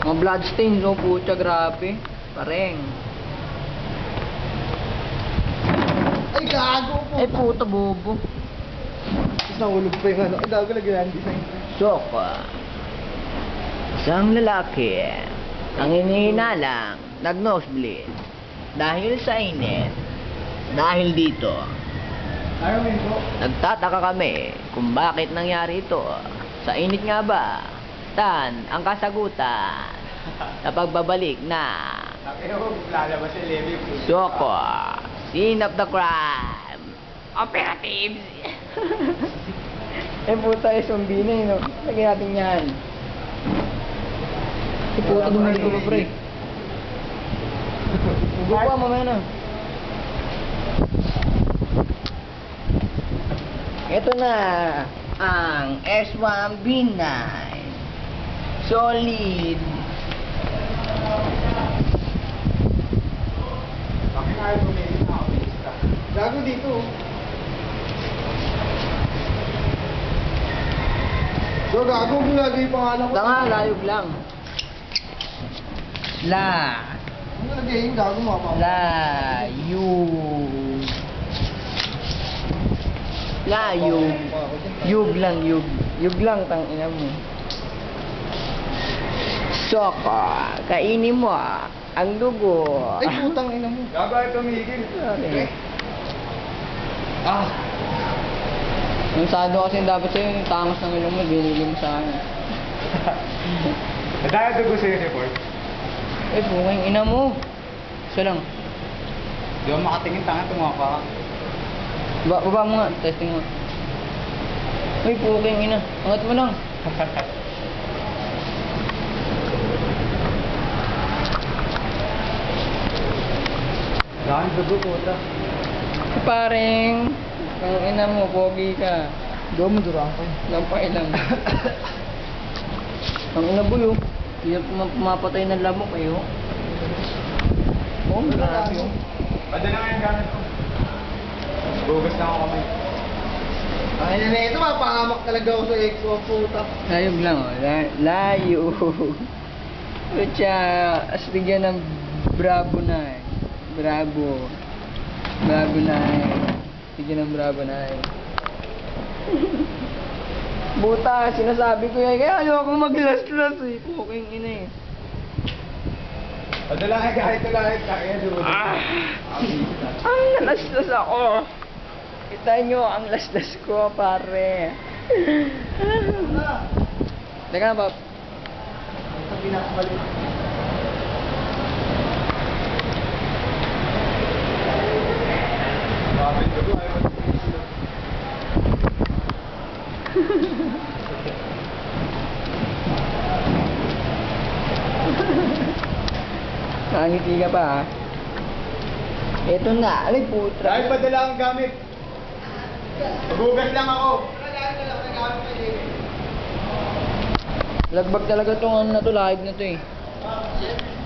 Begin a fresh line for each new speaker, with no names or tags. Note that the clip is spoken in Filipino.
Mga bloodstains, oh, pucha, grabe. Pareng.
Ay, gago po.
Ay, puta, bobo.
Tapos nahulog pa yung ano. Ay, gago lagi yan. Design.
Soka. Isang lalaki ang hinihinalang nag-nosebleed dahil sa init. Dahil dito,
Ayaw mo yun po.
nagtataka kami kung bakit nangyari ito. Sa init nga ba? Tan ang kasagutan sa pagbabalik na
Lalabas yung level.
Soko, scene of the crime, operatives. Eh puta, eh zombie na yun, no? Lagyan natin yan. Eh puta, dumay ko pre. Hugo pa, mamaya na. Ito na ang S1B9 Solid.
Bakit ayaw mo na yun? Gago dito. So, gago kung lagi yung pangalan ko.
Tanga, layog lang. La.
Ano lagi yung gago mo pa?
Layog. Yug lang, yug. Yug lang, tang ina mo. Soko, kainin mo ang dugo.
Ay, putang ina mo. Gago ay tumigil.
Okay.
Ah.
Yung sado kasi dapat sa'yo, yung tangos ng ilong mo, binili mo sa akin.
Dahil dugo sa'yo si Ford.
Eh, buking ina mo. Isa lang.
Di ako makatingin, tanga tumapa ka.
Baba mo nga, testing mo. Uy, buking ina. Angat mo lang.
Dahil dugo puta.
Pareng, ang ina mo, pogi ka.
Di mo durang ko.
Lampay lang. Ang ina boy, oh. Hindi na pumapatay ng lamok, eh, oh. Oh, grabe, oh.
Padala nga yung gamit ko. Bugas na ako kamay. Ay, na ito, mapangamak talaga ako sa X1 puta.
Layog lang, oh. Layo. Kutya, astigyan ng bravo na, eh. Bravo. Bravo na, eh. Astigyan ng bravo na, eh. Buta, sinasabi ko yan. Kaya ayaw akong maglas-las, eh. Puking ina, eh.
Padala nga kahit lahit kaya dugo.
Ang nalaslas ako. Kita nyo, ang laslas ko, pare. Teka na, Bob.
Sa pinakabalik. Bakit dugo ay
Nakangiti ka pa, ha? Ito na, alay putra.
Dahil padala ang gamit. Bugas lang ako.
Lagbag talaga tong ano na to, lahig na to, eh.